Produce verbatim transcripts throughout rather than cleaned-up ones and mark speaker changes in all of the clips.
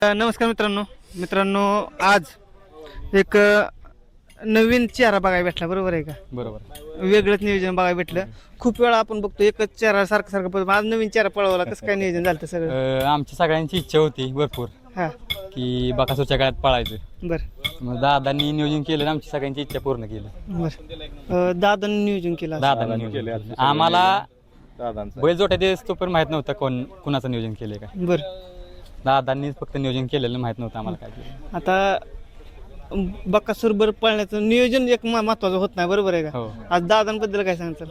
Speaker 1: नमस्कार मित्रांनो मित्रांनो आज एक नवीन चेहरा बघायला भेटला, बरोबर आहे का?
Speaker 2: बरोबर.
Speaker 1: वेगळंच नियोजन बघायला भेटलं. खूप वेळा आपण बघतो एकच चेहरा सारखं सारखं, पण आज नवीन चेहरा पळवला. कसं काय नियोजन झालं सगळं?
Speaker 2: अं, आमची सगळ्यांची इच्छा होती भरपूर
Speaker 1: हा
Speaker 2: की बकासूरच्या काळात पळायचं.
Speaker 1: बर
Speaker 2: मग दादांनी नियोजन केलं आणि आमची सगळ्यांची इच्छा पूर्ण केली.
Speaker 1: बर दादांनी नियोजन केलं असं.
Speaker 2: दादांनी नियोजन केलं. आम्हाला बैल जोट्या दिवस तो पण माहित नव्हतं कोण कुणाचं नियोजन केलंय का.
Speaker 1: बर
Speaker 2: दादांनीच फक्त नियोजन केलेलं, माहित नव्हतं आम्हाला काय केलं.
Speaker 1: आता बकासूर बर पळण्याचं नियोजन एक म- महत्वाचं होत नाही, बरोबर आहे का?
Speaker 2: हो.
Speaker 1: आज दादांबद्दल काय सांगताल?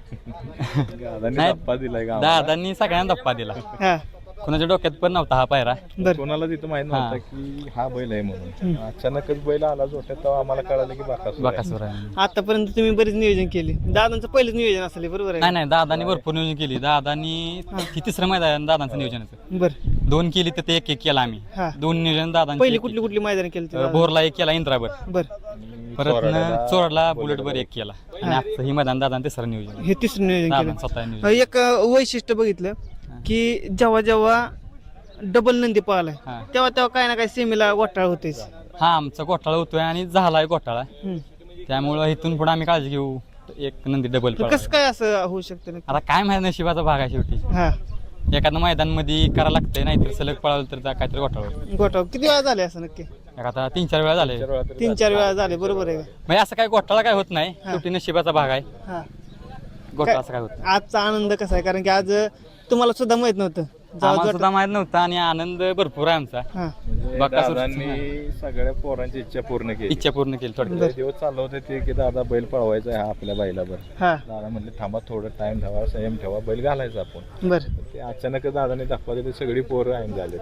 Speaker 2: नाही, दादांनी सगळ्यांना धप्पा दिला.
Speaker 1: हा
Speaker 2: कुणाच्या डोक्यात पण नव्हता हा पायरा.
Speaker 1: बर
Speaker 3: कोणाला तिथं माहित नव्हतं की हा बैल आहे म्हणून. अचानकच बैल आला जोट्यात, तेव्हा आम्हाला कळालं की बाकासूर आहे.
Speaker 2: बकासूर आहे.
Speaker 1: आतापर्यंत तुम्ही बरेच नियोजन केले. दादांचं पहिलंच नियोजन असेल, बरोबर आहे
Speaker 2: नाही
Speaker 1: का?
Speaker 2: नाही, दादांनी भरपूर नियोजन केली. दादांनी ती तिसरं मैदान दादांचं नियोजनाचं
Speaker 1: बर
Speaker 2: दोन केली तर ते एक एक केला आम्ही.
Speaker 1: हा.
Speaker 2: दोन नियोजन दादांची.
Speaker 1: पहिली कुठली कुठली मैदान केली
Speaker 2: अं, बोरला एक केला, इंद्राबर.
Speaker 1: बर
Speaker 2: परत न चोरडला बुलेटवर एक केला आणि आजचं ही मैदान दादा तिसरं नियोजन
Speaker 1: हे तिसरं नियोजन
Speaker 2: दादा
Speaker 1: केलं.
Speaker 2: स्वतः नियोजन.
Speaker 1: एक वैशिष्ट्य बघितलं की जेव्हा जेव्हा डबल नंदी पळालाय
Speaker 2: हा.
Speaker 1: तेव्हा तेव्हा काय ना काय सेमीला घोटाळा होतेच.
Speaker 2: हा, आमचा घोटाळा होतोय आणि झालाय घोटाळा.
Speaker 1: हम्म.
Speaker 2: त्यामुळं इथून पुढे आम्ही काळजी घेऊ. एक नंदी डबल
Speaker 1: तर कसं काय असं होऊ शकतं नक्की?
Speaker 2: आता काय माहिती, नशिबाचा भाग आहे शेवटी.
Speaker 1: हा
Speaker 2: एखादं मैदान मध्ये करावं लागतंय, नाहीतर सलग पळावलं तर जा- काहीतरी घोटाळा होतो.
Speaker 1: घोटाळा किती वेळा झाले असं नक्की?
Speaker 2: एक आता तीन चार वेळा झाले.
Speaker 1: तीन चार वेळा झाले, बरोबर आहे का?
Speaker 2: म्हणजे असं काय घोटाळा काय होत नाही, शेवटी नशिबाचा भाग आहे.
Speaker 1: हा
Speaker 2: घोटाळा असं काय होत नाही.
Speaker 1: आजचा आनंद कसा आहे? कारण की आज तुम्हाला सुद्धा माहित नव्हतं. जेव्हा
Speaker 2: आम्हाला
Speaker 1: जोट-
Speaker 2: सुद्धा माहित नव्हतं आणि आनंद भरपूर आहे आमचा.
Speaker 1: हा
Speaker 2: बकासूर
Speaker 3: दादांनी सगळ्या पोरांची इच्छा पूर्ण केली.
Speaker 2: इच्छा पूर्ण केली थोडक्यात.
Speaker 3: लय दिवस चाललं होते ते की दादा बैल पळवायचा आहे हा आपल्या बैलावर.
Speaker 1: हा
Speaker 3: दादा म्हणले थांबा, थोडं टाइम ठेवा, संयम ठेवा, बैल घालायचा आपण.
Speaker 1: बर
Speaker 3: ते अचानक दादाने दाखवा ते सगळी पोरं आईन झाले.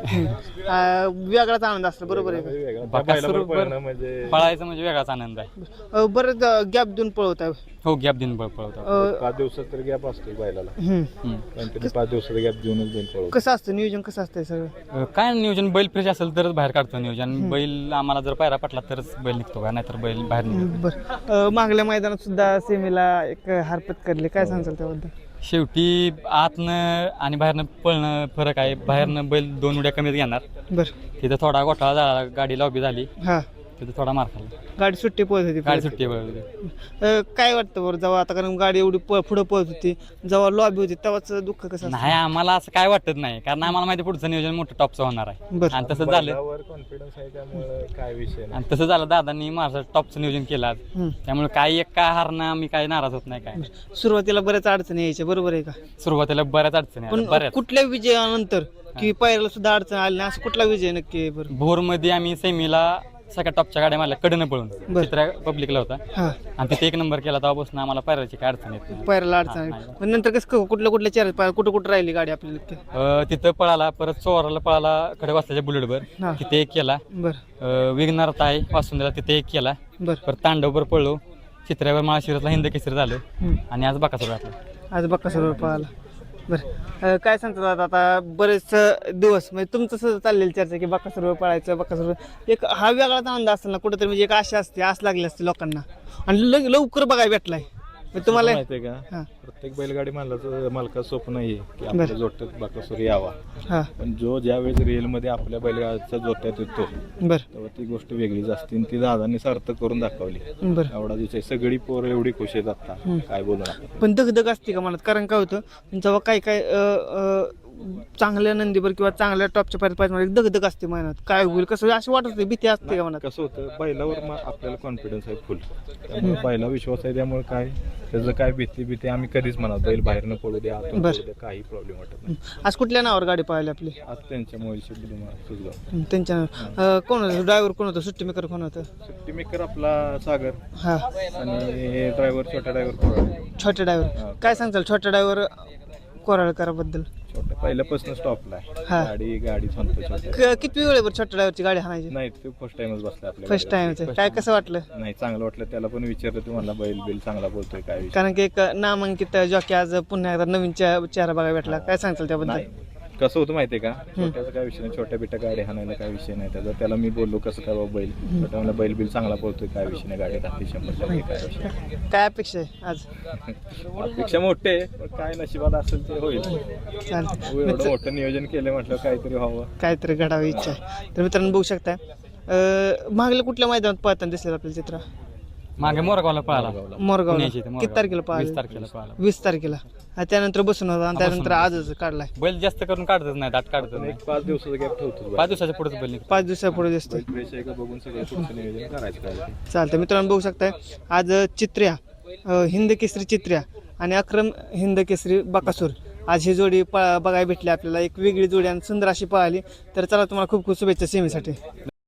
Speaker 1: आ, वेगळाच आनंद असतो, बरोबर आहे का?
Speaker 3: वेगळा. त्या
Speaker 2: बकासूर
Speaker 3: बैलावर
Speaker 2: बर-
Speaker 3: पळणं म्हणजे
Speaker 2: पळायचं म्हणजे वेगळाच आनंद आहे.
Speaker 1: अ, बरंच गॅप देऊन पळवत आहे.
Speaker 2: हो, गॅप दिन पळवतो.
Speaker 3: पाच दिवसात तर गॅप असतो बैलाला.
Speaker 1: हम्म.
Speaker 3: कंटिन्यू पाच दिवसाचा गॅप देऊनच बैल पळवतो.
Speaker 1: कसं असतं नियोजन, कसं असतंय सगळं?
Speaker 2: अं, काय नियोजन, बैल फ्रेश असेल तरच बाहेर काढतो नियोजन. बैल आम्हाला जर पायरा पटला तरच बैल निघतो का, नाहीतर बैल बाहेर निघतो.
Speaker 1: बर अ, मागल्या मैदानात सुद्धा सेमीला एक हार पत्करली, काय सांगताल त्याबद्दल?
Speaker 2: शेवटी आतनं आणि बाहेरनं पळणं फरक आहे. बाहेरनं बैल दोन उड्या कमीच घेणार.
Speaker 1: बर
Speaker 2: तिथं थोडा घोटाळा झाला, गाडी लॉबी झाली,
Speaker 1: हा
Speaker 2: तिथं थोडा मार खाल्ला.
Speaker 1: गाडी सुट्टी पळत होती.
Speaker 2: गाडी सुट्टी बैल.
Speaker 1: अ, काय वाटतं बरं जेव्हा आता, कारण गाडी एवढी प- पुढं पळत होती, जेव्हा लॉबी होती तेव्हाच दुःख कसं असतं?
Speaker 2: नाही, आम्हाला असं काय वाटत नाही, कारण आम्हाला माहिती पुढचं नियोजन मोठं टॉपचं होणार आहे.
Speaker 1: बरं.
Speaker 2: आणि तसं झालं.
Speaker 3: बैलावर कॉन्फिडन्स आहे त्यामुळे काय विषय नाही.
Speaker 2: आणि तसं झालं, दादांनी माझं टॉपचं नियोजन केलं आज.
Speaker 1: हम्म.
Speaker 2: त्यामुळे काय एक काय हारणं आम्ही काय नाराज होत नाही. काय
Speaker 1: सुरुवातीला बऱ्याच अडचणी यायच्या, बरोबर आहे का?
Speaker 2: सुरुवातीला बऱ्याच अडचणी आल्या,
Speaker 1: पण
Speaker 2: बऱ्याच.
Speaker 1: कुठल्या विजयानंतर की पायऱ्याला सुद्धा अडचण आली नाही, असं कुठला विजय नक्की आहे बरं?
Speaker 2: भोरमध्ये आम्ही सेमीला सगळ्या टॉपच्या गाड्या मारल्या कडनं पळून.
Speaker 1: बरं.
Speaker 2: चित्रा पब्लिकला होता
Speaker 1: हा
Speaker 2: आणि तिथे एक नंबर केला, तेव्हापासून आम्हाला पायऱ्याची काय अडचण येत नाही.
Speaker 1: पायऱ्याला अडचण आली.
Speaker 2: हा,
Speaker 1: पण नंतर कसं कुठल्या कुठल्या चेहऱ्यात कुठं कुठं राहिली गाडी आपली नक्की?
Speaker 2: अं, तिथं पळाला, परत चोराला पळाला कडे वाजताच्या बुलेटवर,
Speaker 1: हा.
Speaker 2: तिथे एक केला.
Speaker 1: बरं
Speaker 2: विघ्नार ताई वासुंदरा तिथे एक केला.
Speaker 1: बरं
Speaker 2: परत तांडववर पळलो, चित्र्यावर माळशिरसला हिंद केसरी झालं
Speaker 1: हम्म.
Speaker 2: आणि आज बकासूर घातला.
Speaker 1: आज बक्कासूरवर पळाला. बरं अ, काय सांगतात आता आता बरेच दिवस म्हणजे तुमचं असं चाललेली चर्चा की बक्कासूरवर पळायचं, बक्कासूरवर एक हा वेगळाच आनंद असतो ना कुठेतरी, म्हणजे एक आशा असते, आस लागली असते लोकांना आणि ल- लवकर बघायला भेटलाय. मग तुम्हाला
Speaker 3: माहितीये का,
Speaker 1: हा
Speaker 3: प्रत्येक बैलगाडी मालकाचं मालकाचं स्वप्न आहे की आपल्या जोट्यात बकासूर यावा.
Speaker 1: हा
Speaker 3: पण जो ज्या वेळेस रिअल मध्ये आपल्या बैलगाडीच्या जोट्यात येतो
Speaker 1: बरं
Speaker 3: तेव्हा ती गोष्ट वेगळीच असते आणि ती दादांनी सार्थक करून दाखवली.
Speaker 1: बरं
Speaker 3: एवढा दिवस आहे, सगळी पोरं एवढी खुश आहेत आता, काय बोलू नका.
Speaker 1: पण दगदग असते का मनात? कारण काय होतं जेव्हा काही काय अ, अ, चांगल्या नंदीवर किंवा चांगल्या टॉपच्या पायऱ्या पाहिजे एक दगदग असते मनात, काय होईल कसं अशी वाटत होती, भीती असते का मनात?
Speaker 3: कसं होतं, बैलावर मग आपल्याला कॉन्फिडन्स आहे फुल, त्यामुळे बैला विश्वास आहे, त्यामुळे काय त्याचं काय भीती भीती आम्ही कधीच म्हणत बैल बाहेर न पडू द्या, आतून
Speaker 1: बरं.
Speaker 3: पडू द्या, काही प्रॉब्लेम वाटत नाही.
Speaker 1: आज कुठल्या नावावर गाडी पाहिली आपली?
Speaker 3: आज त्यांच्या मोबाईलशी सुचलो.
Speaker 1: हं, त्यांच्या अ, कोण होतं ड्रायव्हर, कोण होतं सुट्टी मेकर, कोण होतं?
Speaker 3: सुट्टी मेकर आपला सागर
Speaker 1: हा
Speaker 3: आणि ड्रायव्हर छोटा ड्रायव्हर
Speaker 1: छोटे ड्रायव्हर. काय सांगताल छोट्या ड्रायव्हर कोराळकराबद्दल?
Speaker 3: छोटा पहिल्यापासून स्टॉपला
Speaker 1: हा.
Speaker 3: आहे, गाडी गाडी म्हणतो छोट्या.
Speaker 1: क- किती वेळेवर छोट्या ड्रायव्हरची गाडी हाणायची?
Speaker 3: नाही, ते फर्स्ट टाइमच बसला आपल्या
Speaker 1: फर्स्ट
Speaker 3: गाडीवर.
Speaker 1: टाइम. काय कसं वाटलं?
Speaker 3: नाही, चांगलं वाटलं. त्याला पण विचारलं तुम्हाला बैल बिल चांगला बोलतोय काय विषय.
Speaker 1: कारण की एक नामांकित जॉकी आज पुन्हा एकदा नवीन चे- चेहरा बघायला भेटला, काय सांगताल त्याबद्दल?
Speaker 3: नाही, कसं होतं माहितीये का, छोट्याचा काय विषय नाही, छोट्या बिट्या गाडी हाणायला काय विषय नाही त्याचा. त्याला मी बोललो कसं काय बाबा बैल, छोट्या मला बैल बिल चांगला पळतोय, काय विषय नाही, गाडी राहते शंभर टक्के, काय विषय नाही.
Speaker 1: काय अपेक्षा आहे आज?
Speaker 3: अपेक्षा मोठे आहे, पण काय नशिबात असेल ते होईल.
Speaker 1: चालतं
Speaker 3: एवढं मोठं नियोजन केलं म्हटलं काहीतरी व्हावं.
Speaker 1: काहीतरी घडावी इच्छा आहे. तर मित्रांनो बघू शकताय अं, मागल्या कुठल्या मैदानात पळताना दिसलं आपल्याला चित्र?
Speaker 2: मागे मोरगावला पळाला
Speaker 1: मोरगावला.
Speaker 2: पुण्याच्या इथे,
Speaker 1: किती
Speaker 2: मोरगाव.
Speaker 1: तारखेला
Speaker 2: वीस
Speaker 1: पळाला?
Speaker 2: तारखेला पळाला.
Speaker 1: वीस तारखेला. हा, त्यानंतर बसून होता आणि त्यानंतर
Speaker 2: बसून.
Speaker 1: आजच काढलाय.
Speaker 2: बैल जास्त करून काढतच नाही, दाट काढतच
Speaker 3: पण
Speaker 2: नाही.
Speaker 3: एक पाच दिवसाचा गॅप ठेवतो.
Speaker 2: पाच दिवसाच्या पुढेच बैल निघतो.
Speaker 1: पाच दिवसापुढे दिसतोय.
Speaker 3: बैल फ्रेश आहे का बघून सगळं पुढचं नियोजन करायचं काय ते.
Speaker 1: चालतं मित्रांनो बघू शकताय आज चित्र्या अं, हिंद केसरी चित्र्या आणि अक्रम हिंद केसरी बकासूर आज ही जोडी प बघायला भेटली आपल्याला. एक वेगळी जोडी आणि सुंदर अशी पळाली. तर चला तुम्हाला खूप खूप शुभेच्छा सेमीसाठी.